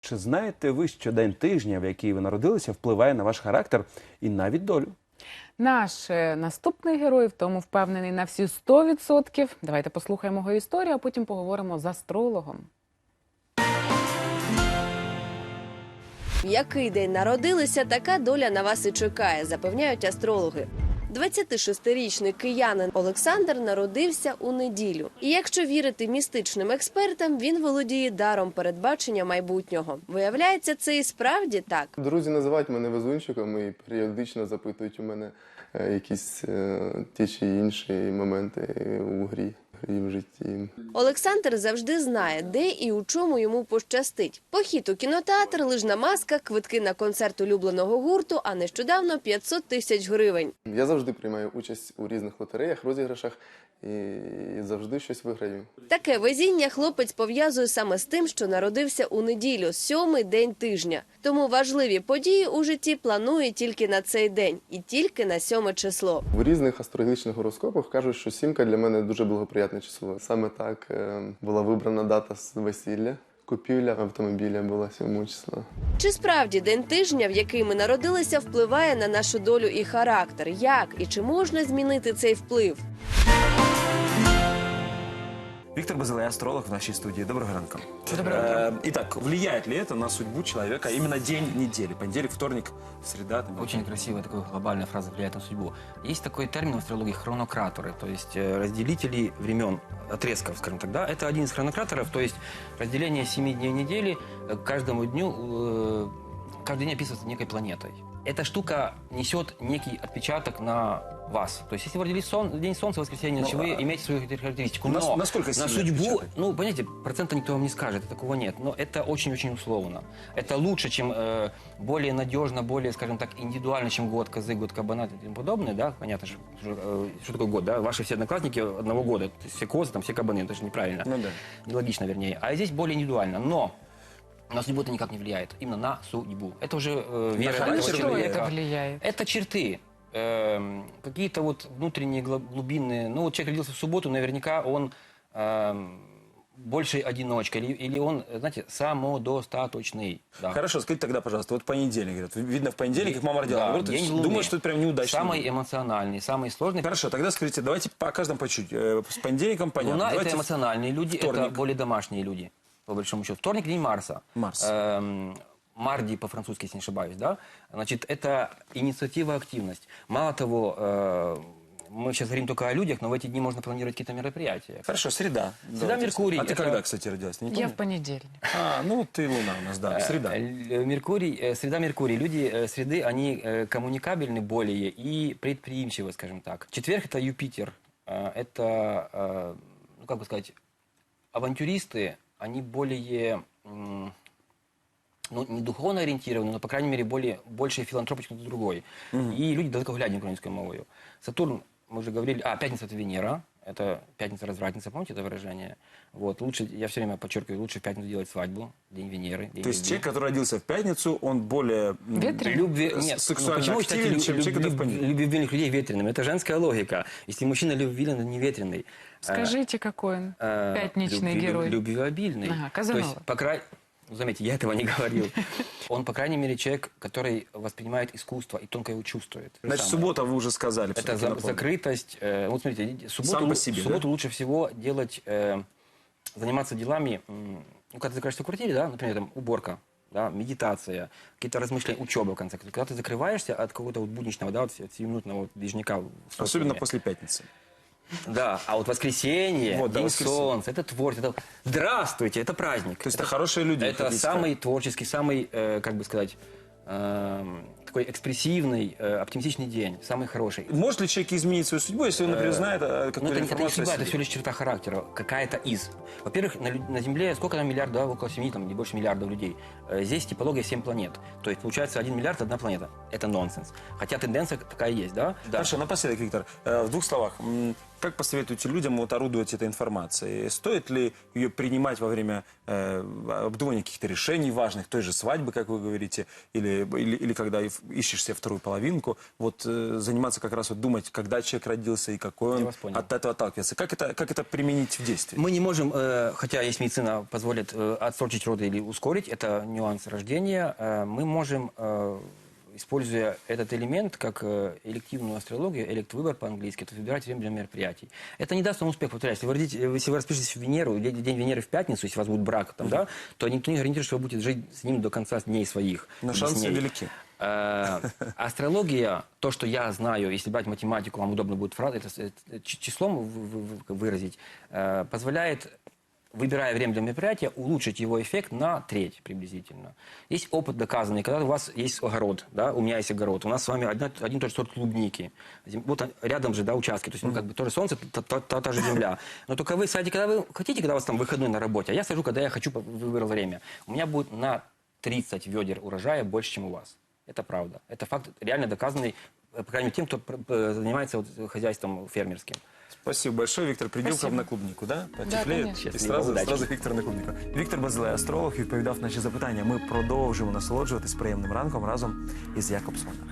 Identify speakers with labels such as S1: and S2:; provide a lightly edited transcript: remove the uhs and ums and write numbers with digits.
S1: Чи знаєте ви, що день тижня, в який ви народилися, впливає на ваш характер і навіть долю?
S2: Наш наступний герой в тому впевнений на всі 100%. Давайте послухаємо його історію, а потім поговоримо з астрологом.
S3: В який день народилися, така доля на вас і чекає, запевняють астрологи. 26-річний киянин Олександр народився у неділю. І якщо вірити містичним експертам, він володіє даром передбачення майбутнього. Виявляється, це і справді так.
S4: Друзі називають мене везунчиком і періодично запитують у мене якісь ті чи інші моменти у грі і в житті.
S3: Олександр завжди знає, де і у чому йому пощастить. Похід у кінотеатр, лижна маска, квитки на концерт улюбленого гурту, а нещодавно 500 тисяч гривень.
S4: Я завжди приймаю участь у різних лотереях, розіграшах і завжди щось виграю.
S3: Таке везіння хлопець пов'язує саме з тим, що народився у неділю, 7-й день тижня. Тому важливі події у житті планує тільки на цей день і тільки на 7 число.
S4: В різних астрологічних гороскопах кажуть, що сімка для мене дуже благоприятне число. Саме так була вибрана дата з весілля. Купівля автомобіля була 7 числа.
S3: Чи справді день тижня, в який ми народилися, впливає на нашу долю і характер? Як і чи можна змінити цей вплив?
S5: Виктор Базилай, астролог в нашей студии. Доброго ранка.
S2: Доброго утра.
S5: Итак, влияет ли это на судьбу человека именно день недели? Понедельник, вторник, среда?
S6: Очень красивая такая глобальная фраза «влияет на судьбу». Есть такой термин в астрологии хронократоры, то есть разделители времен, отрезков, скажем так. Да? Это один из хронократоров, то есть разделение 7 дней недели каждому дню, каждый день описывается некой планетой. Эта штука несет некий отпечаток на вас. То есть, если вы родились в день Солнца, воскресенье, значит, вы имеете свою характеристику. Но
S5: насколько
S6: на
S5: сильный
S6: судьбу,
S5: отпечаток?
S6: ну, понимаете, процента никто вам не скажет, такого нет. Но это очень-очень условно. Это лучше, чем более надежно, более, скажем так, индивидуально, чем год козы, год кабана и тому подобное. Да? Понятно, что такое год. Да? Ваши все одноклассники одного года. То есть все козы, там, все кабаны. Это же неправильно.
S5: Ну да.
S6: Нелогично, вернее. А здесь более индивидуально. Но на судьбу это никак не влияет. Именно на судьбу. Это уже вера
S2: На
S6: этого
S2: что
S6: человека.
S2: это влияет?
S6: Это черты. Какие-то вот внутренние, глубинные. Ну, вот человек родился в субботу, наверняка он больше одиночка. Или он, знаете, самодостаточный. Да.
S5: Хорошо, скажите тогда, пожалуйста, вот понедельник. Говорят, видно, в понедельник, как мама родила.
S6: Да,
S5: Говорят,
S6: день Луны.
S5: думаю, что это прям неудачный
S6: Самый
S5: день.
S6: эмоциональный, самый сложный.
S5: Хорошо, тогда скажите, давайте по каждому по чуть. С понедельником понятно.
S6: Луна –
S5: Давайте
S6: это эмоциональные люди,
S5: вторник.
S6: это более домашние люди, по большому счету. Вторник – день Марса.
S5: Марс.
S6: Марди по-французски, если не ошибаюсь, да? Значит, это инициатива, активность. Мало того, мы сейчас говорим только о людях, но в эти дни можно планировать какие-то мероприятия.
S5: Хорошо, среда.
S6: Среда,
S5: Давайте.
S6: Меркурий.
S5: А ты
S6: Это-
S5: когда, кстати, родилась? Не
S2: Я
S5: помню?
S2: в понедельник.
S5: Ну ты Луна у нас, да, среда.
S6: Меркурий, среда Меркурий. Люди среды, они коммуникабельны более и предприимчивы, скажем так. Четверг – это Юпитер. Это, ну, как бы сказать, авантюристы, они более... ну, не духовно ориентированы, но, по крайней мере, больше филантропы, чем кто-то другой. И люди далекоглядные украинской мовою. Сатурн, мы уже говорили, пятница – это Венера, это пятница-развратница, помните это выражение? Вот, лучше, я все время подчеркиваю, лучше в пятницу делать свадьбу, день Венеры. День
S5: То есть
S6: любви.
S5: человек, который родился в пятницу, он более
S2: Ветреный?
S6: Нет,
S5: сексуально
S6: почему вы считаете
S5: активен, чем человек, который в понедельник?
S6: любвеобильных людей ветреными? Это женская логика. Если мужчина любвеобильный, он не ветреный.
S2: Скажите, какой он пятничный герой?
S6: Любвеобильный.
S2: Ага,
S6: То есть,
S2: Казанова.
S6: заметьте, я этого не говорил. Он, по крайней мере, человек, который воспринимает искусство и тонко его чувствует.
S5: Значит,
S6: Самое.
S5: суббота, вы уже сказали.
S6: Это
S5: всё-таки напомню.
S6: закрытость. Вот смотрите,
S5: Сам по себе,
S6: в субботу
S5: да?
S6: лучше всего делать, заниматься делами, ну, когда ты закрываешься в квартире, да, например, там, уборка, да, медитация, какие-то размышления, учеба, в конце концов. Когда ты закрываешься от какого-то вот будничного, да, вот 7-минутного вот движника. в
S5: Особенно
S6: социуме.
S5: после пятницы.
S6: Да, а вот воскресенье,
S5: Вот, да,
S6: день
S5: воскресенье.
S6: солнца, это творчество, это... Здравствуйте, это праздник.
S5: То есть это хорошие люди.
S6: Это
S5: хотите
S6: самый творческий, самый, как бы сказать, такой экспрессивный, оптимистичный день, самый хороший.
S5: сказать. Может ли человек изменить свою судьбу, если он, например, знает
S6: Ну,
S5: какую-то
S6: это не
S5: информацию
S6: судьба,
S5: о
S6: это
S5: себе?
S6: всего лишь черта характера, какая-то из. Во-первых, на Земле сколько там миллиардов, да, около 7, там, не больше миллиардов людей. Здесь типология 7 планет. То есть, получается, 1 миллиард, одна планета. Это нонсенс. Хотя тенденция такая есть, да? Да.
S5: Хорошо, напоследок, Виктор, в двух словах. как посоветуете людям вот орудовать этой информацией? Стоит ли ее принимать во время обдумывания каких-то решений важных, той же свадьбы, как вы говорите, или когда ищешь себе вторую половинку, вот заниматься как раз вот думать, когда человек родился и какой
S6: Я
S5: он,
S6: вас понял.
S5: от этого отталкиваться. Как это применить в действии?
S6: Мы не можем, хотя есть медицина позволит отсрочить роды или ускорить, это нюанс рождения, мы можем, используя этот элемент как элективную астрологию, электвыбор по-английски, то есть выбирать время для мероприятий. Это не даст вам успех, повторяюсь. Если вы распишетесь в Венеру, день Венеры в пятницу, если у вас будет брак, там, да, то никто не гарантирует, что вы будете жить с ним до конца дней своих.
S5: Но
S6: без
S5: шансы
S6: ней.
S5: велики.
S6: Астрология, то, что я знаю, если брать математику, вам удобно будет числом выразить, позволяет, выбирая время для мероприятия, улучшить его эффект на треть приблизительно. Есть опыт доказанный, когда у вас есть огород, да, у меня есть огород, у нас с вами один и тот же сорт клубники. Вот рядом же, да, участки, то есть, ну, как бы, то же солнце, та же земля. Но только вы садите, когда вы хотите, когда у вас там выходной на работе, а я сажу, когда я хочу, выбрал время. У меня будет на 30 ведер урожая больше, чем у вас. Это правда. Это факт реально доказанный, по крайней мере, тем, кто занимается вот хозяйством фермерским.
S5: Спасибо большое, Виктор. Приділкав
S2: Спасибо.
S5: на клубнику, да? Потеплеє.
S2: конечно.
S5: І сразу
S6: Удачі.
S5: Віктор на клубнику. Віктор Базилай, астролог, відповідав на наші запитання. Ми продовжимо насолоджуватись приємним ранком разом із Якобсоном.